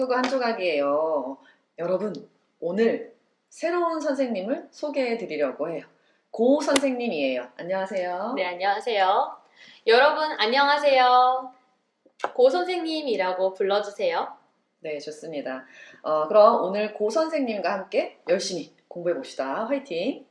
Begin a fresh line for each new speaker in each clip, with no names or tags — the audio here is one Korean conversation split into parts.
한국어 한 조각이에요. 여러분, 오늘 새로운 선생님을 소개해 드리려고 해요. 고 선생님이에요. 안녕하세요.
네, 안녕하세요. 여러분, 안녕하세요. 고 선생님이라고 불러주세요.
네, 좋습니다. 그럼 오늘 고 선생님과 함께 열심히 공부해 봅시다. 화이팅!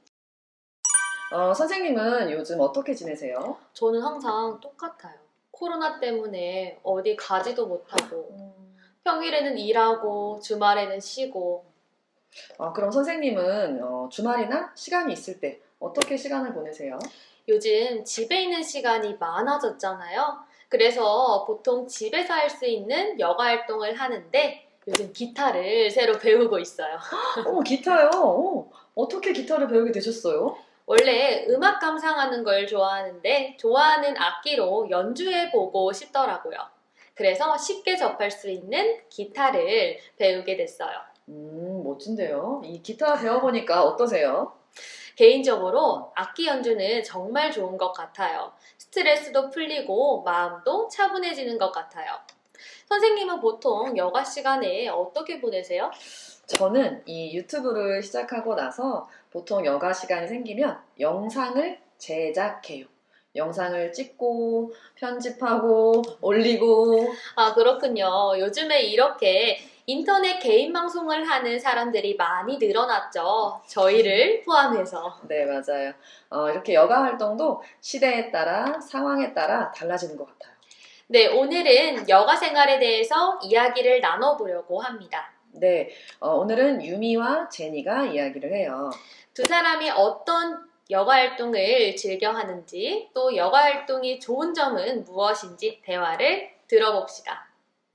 선생님은 요즘 어떻게 지내세요?
저는 항상 똑같아요. 코로나 때문에 어디 가지도 못하고, 평일에는 일하고, 주말에는 쉬고.
그럼 선생님은 주말이나 시간이 있을 때 어떻게 시간을 보내세요?
요즘 집에 있는 시간이 많아졌잖아요. 그래서 보통 집에서 할 수 있는 여가 활동을 하는데, 요즘 기타를 새로 배우고 있어요.
기타요? 어떻게 기타를 배우게 되셨어요?
원래 음악 감상하는 걸 좋아하는데 좋아하는 악기로 연주해보고 싶더라고요. 그래서 쉽게 접할 수 있는 기타를 배우게 됐어요.
멋진데요. 이 기타 배워보니까 어떠세요?
개인적으로 악기 연주는 정말 좋은 것 같아요. 스트레스도 풀리고 마음도 차분해지는 것 같아요. 선생님은 보통 여가 시간에 어떻게 보내세요?
저는 이 유튜브를 시작하고 나서 보통 여가 시간이 생기면 영상을 제작해요. 영상을 찍고 편집하고 올리고.
아, 그렇군요. 요즘에 이렇게 인터넷 개인 방송을 하는 사람들이 많이 늘어났죠. 저희를 포함해서.
네, 맞아요. 이렇게 여가 활동도 시대에 따라 상황에 따라 달라지는 것 같아요.
네, 오늘은 여가 생활에 대해서 이야기를 나눠보려고 합니다.
네, 오늘은 유미와 제니가 이야기를 해요.
두 사람이 어떤 여가 활동을 즐겨 하는지, 또 여가 활동이 좋은 점은 무엇인지 대화를 들어봅시다.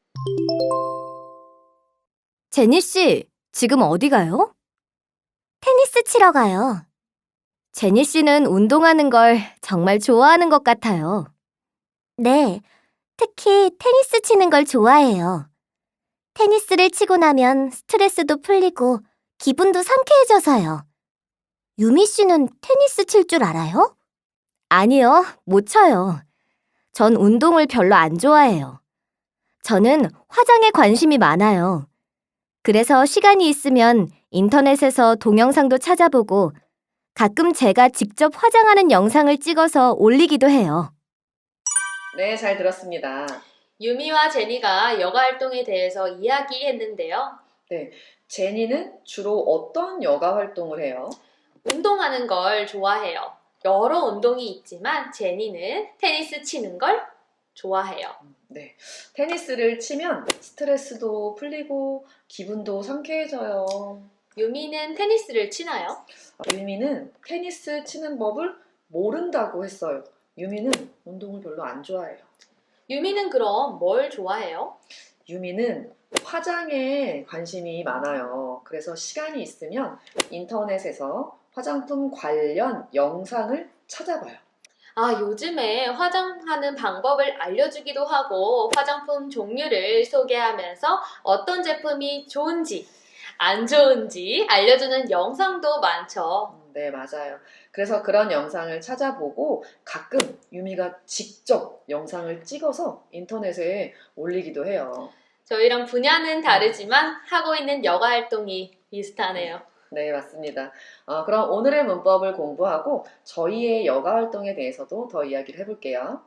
제니 씨, 지금 어디 가요? 테니스 치러 가요. 제니 씨는 운동하는 걸 정말 좋아하는 것 같아요. 네, 특히 테니스 치는 걸 좋아해요. 테니스를 치고 나면 스트레스도 풀리고 기분도 상쾌해져서요. 유미 씨는 테니스 칠 줄 알아요? 아니요, 못 쳐요. 전 운동을 별로 안 좋아해요. 저는 화장에 관심이 많아요. 그래서 시간이 있으면 인터넷에서 동영상도 찾아보고 가끔 제가 직접 화장하는 영상을 찍어서 올리기도 해요.
네, 잘 들었습니다.
유미와 제니가 여가 활동에 대해서 이야기했는데요.
네, 제니는 주로 어떤 여가 활동을 해요?
운동하는 걸 좋아해요. 여러 운동이 있지만 제니는 테니스 치는 걸 좋아해요.
네, 테니스를 치면 스트레스도 풀리고 기분도 상쾌해져요.
유미는 테니스를 치나요?
유미는 테니스 치는 법을 모른다고 했어요. 유미는 운동을 별로 안 좋아해요.
유미는 그럼 뭘 좋아해요?
유미는 화장에 관심이 많아요. 그래서 시간이 있으면 인터넷에서 화장품 관련 영상을 찾아봐요.
아, 요즘에 화장하는 방법을 알려주기도 하고 화장품 종류를 소개하면서 어떤 제품이 좋은지 안 좋은지 알려주는 영상도 많죠.
네, 맞아요. 그래서 그런 영상을 찾아보고 가끔 유미가 직접 영상을 찍어서 인터넷에 올리기도 해요.
저희랑 분야는 다르지만 하고 있는 여가 활동이 비슷하네요.
네, 맞습니다. 그럼 오늘의 문법을 공부하고 저희의 여가 활동에 대해서도 더 이야기를 해볼게요.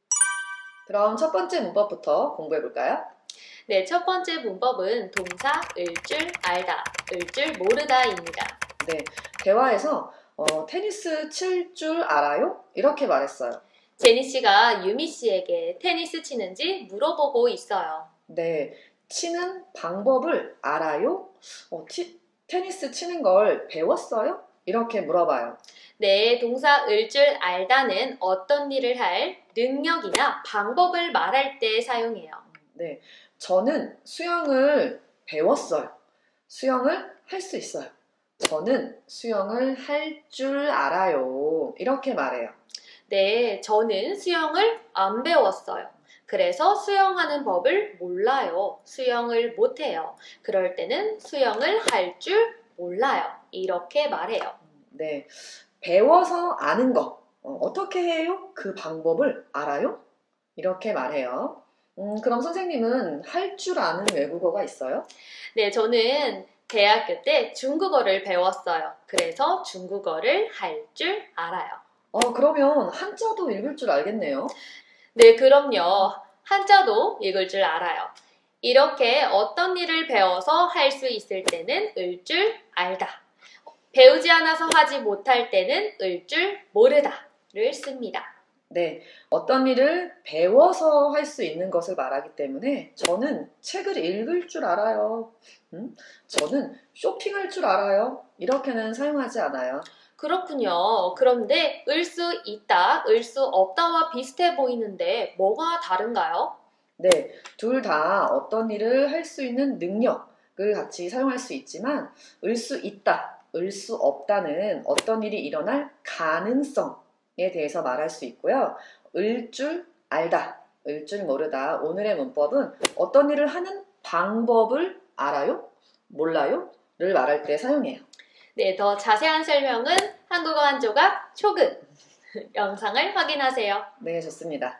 그럼 첫 번째 문법부터 공부해 볼까요?
네, 첫 번째 문법은 동사 을 줄 알다, 을 줄 모르다입니다.
네, 대화에서 테니스 칠 줄 알아요? 이렇게 말했어요.
제니 씨가 유미 씨에게 테니스 치는지 물어보고 있어요.
네, 치는 방법을 알아요? 테니스 치는 걸 배웠어요? 이렇게 물어봐요.
네, 동사 을 줄 알다는 어떤 일을 할 능력이나 방법을 말할 때 사용해요.
네, 저는 수영을 배웠어요. 수영을 할 수 있어요. 저는 수영을 할 줄 알아요. 이렇게 말해요.
네, 저는 수영을 안 배웠어요. 그래서 수영하는 법을 몰라요. 수영을 못해요. 그럴 때는 수영을 할 줄 몰라요. 이렇게 말해요.
네, 배워서 아는 거. 어떻게 해요? 그 방법을 알아요? 이렇게 말해요. 그럼 선생님은 할 줄 아는 외국어가 있어요?
네, 저는 대학교 때 중국어를 배웠어요. 그래서 중국어를 할 줄 알아요.
그러면 한자도 읽을 줄 알겠네요.
네, 그럼요. 한자도 읽을 줄 알아요. 이렇게 어떤 일을 배워서 할 수 있을 때는 을 줄 알다. 배우지 않아서 하지 못할 때는 을 줄 모르다를 씁니다.
네, 어떤 일을 배워서 할 수 있는 것을 말하기 때문에 저는 책을 읽을 줄 알아요. 저는 쇼핑할 줄 알아요. 이렇게는 사용하지 않아요.
그렇군요. 그런데 을 수 있다, 을 수 없다와 비슷해 보이는데 뭐가 다른가요?
네, 둘 다 어떤 일을 할 수 있는 능력을 같이 사용할 수 있지만 을 수 있다, 을 수 없다는 어떤 일이 일어날 가능성에 대해서 말할 수 있고요. 을 줄 알다, 을 줄 모르다. 오늘의 문법은 어떤 일을 하는 방법을 알아요? 몰라요? 를 말할 때 사용해요.
네, 더 자세한 설명은 한국어 한 조각 초급 영상을 확인하세요.
네, 좋습니다.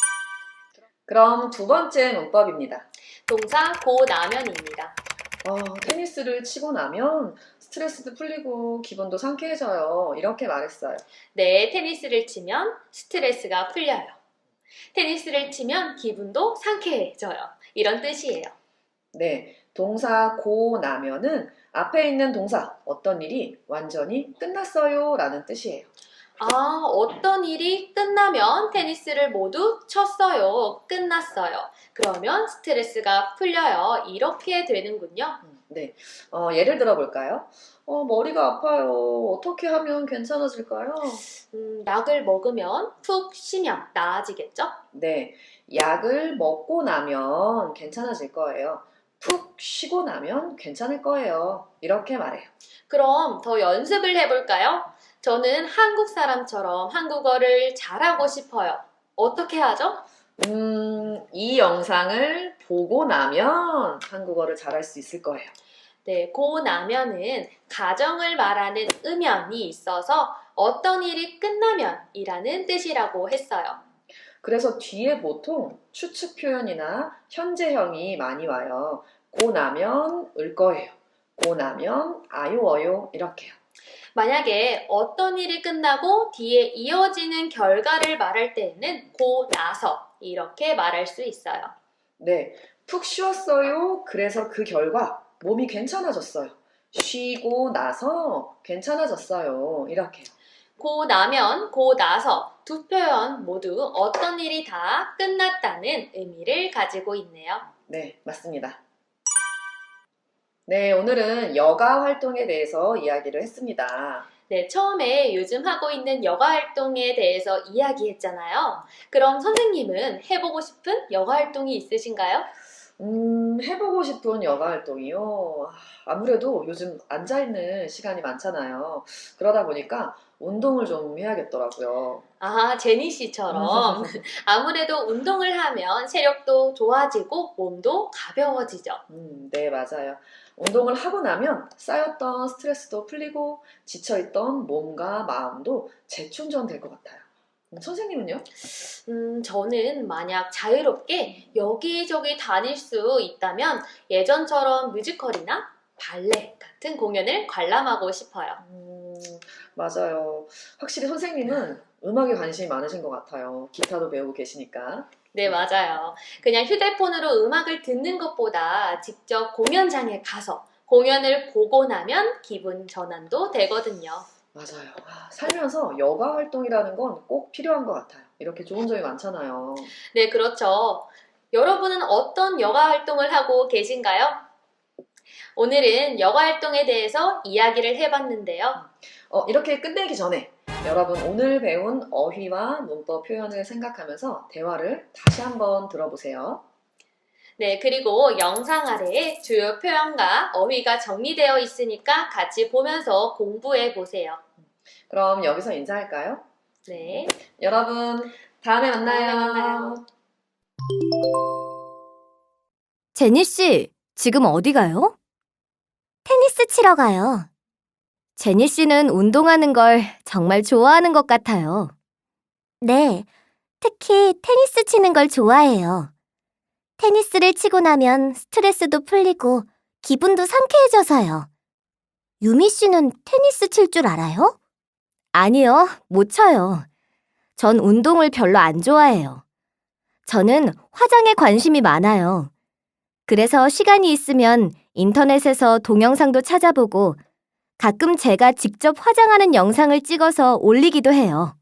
그럼 두 번째 문법입니다.
동사 고나면입니다.
테니스를 치고 나면 스트레스도 풀리고 기분도 상쾌해져요. 이렇게 말했어요.
네, 테니스를 치면 스트레스가 풀려요. 테니스를 치면 기분도 상쾌해져요. 이런 뜻이에요.
네, 동사 고 나면은 앞에 있는 동사 어떤 일이 완전히 끝났어요 라는 뜻이에요.
어떤 일이 끝나면 테니스를 모두 쳤어요. 끝났어요. 그러면 스트레스가 풀려요. 이렇게 되는군요.
네, 예를 들어 볼까요? 머리가 아파요. 어떻게 하면 괜찮아질까요?
약을 먹으면 푹 쉬면 나아지겠죠?
네, 약을 먹고 나면 괜찮아질 거예요. 푹 쉬고 나면 괜찮을 거예요. 이렇게 말해요.
그럼 더 연습을 해볼까요? 저는 한국 사람처럼 한국어를 잘하고 싶어요. 어떻게 하죠?
이 영상을 보고 나면 한국어를 잘할 수 있을 거예요.
네, 고 나면은 가정을 말하는 음연이 있어서 어떤 일이 끝나면 이라는 뜻이라고 했어요.
그래서 뒤에 보통 추측 표현이나 현재형이 많이 와요. 고 나면 을 거예요. 고 나면 아요어요 이렇게요.
만약에 어떤 일이 끝나고 뒤에 이어지는 결과를 말할 때에는 고 나서 이렇게 말할 수 있어요.
네, 푹 쉬었어요. 그래서 그 결과 몸이 괜찮아졌어요. 쉬고 나서 괜찮아졌어요. 이렇게요.
고 나면, 고 나서 두 표현 모두 어떤 일이 다 끝났다는 의미를 가지고 있네요.
네, 맞습니다. 네, 오늘은 여가 활동에 대해서 이야기를 했습니다.
네, 처음에 요즘 하고 있는 여가 활동에 대해서 이야기했잖아요. 그럼 선생님은 해보고 싶은 여가 활동이 있으신가요?
해보고 싶은 여가 활동이요. 아무래도 요즘 앉아있는 시간이 많잖아요. 그러다 보니까 운동을 좀 해야겠더라고요.
제니 씨처럼 아무래도 운동을 하면 체력도 좋아지고 몸도 가벼워지죠.
네, 맞아요. 운동을 하고 나면 쌓였던 스트레스도 풀리고 지쳐있던 몸과 마음도 재충전될 것 같아요. 선생님은요?
저는 만약 자유롭게 여기저기 다닐 수 있다면 예전처럼 뮤지컬이나 발레 같은 공연을 관람하고 싶어요.
맞아요. 확실히 선생님은 음악에 관심이 많으신 것 같아요. 기타도 배우고 계시니까.
네, 맞아요. 그냥 휴대폰으로 음악을 듣는 것보다 직접 공연장에 가서 공연을 보고 나면 기분 전환도 되거든요.
맞아요. 살면서 여가 활동이라는 건 꼭 필요한 것 같아요. 이렇게 좋은 점이 많잖아요.
네, 그렇죠. 여러분은 어떤 여가 활동을 하고 계신가요? 오늘은 여가 활동에 대해서 이야기를 해봤는데요.
이렇게 끝내기 전에 여러분 오늘 배운 어휘와 문법 표현을 생각하면서 대화를 다시 한번 들어보세요.
네, 그리고 영상 아래에 주요 표현과 어휘가 정리되어 있으니까 같이 보면서 공부해 보세요.
그럼 여기서 인사할까요?
네.
여러분 다음에 만나요.
다음에 만나요.
제니 씨, 지금 어디 가요? 테니스 치러 가요. 제니 씨는 운동하는 걸 정말 좋아하는 것 같아요. 네, 특히 테니스 치는 걸 좋아해요. 테니스를 치고 나면 스트레스도 풀리고 기분도 상쾌해져서요. 유미 씨는 테니스 칠 줄 알아요? 아니요, 못 쳐요. 전 운동을 별로 안 좋아해요. 저는 화장에 관심이 많아요. 그래서 시간이 있으면 인터넷에서 동영상도 찾아보고 가끔 제가 직접 화장하는 영상을 찍어서 올리기도 해요.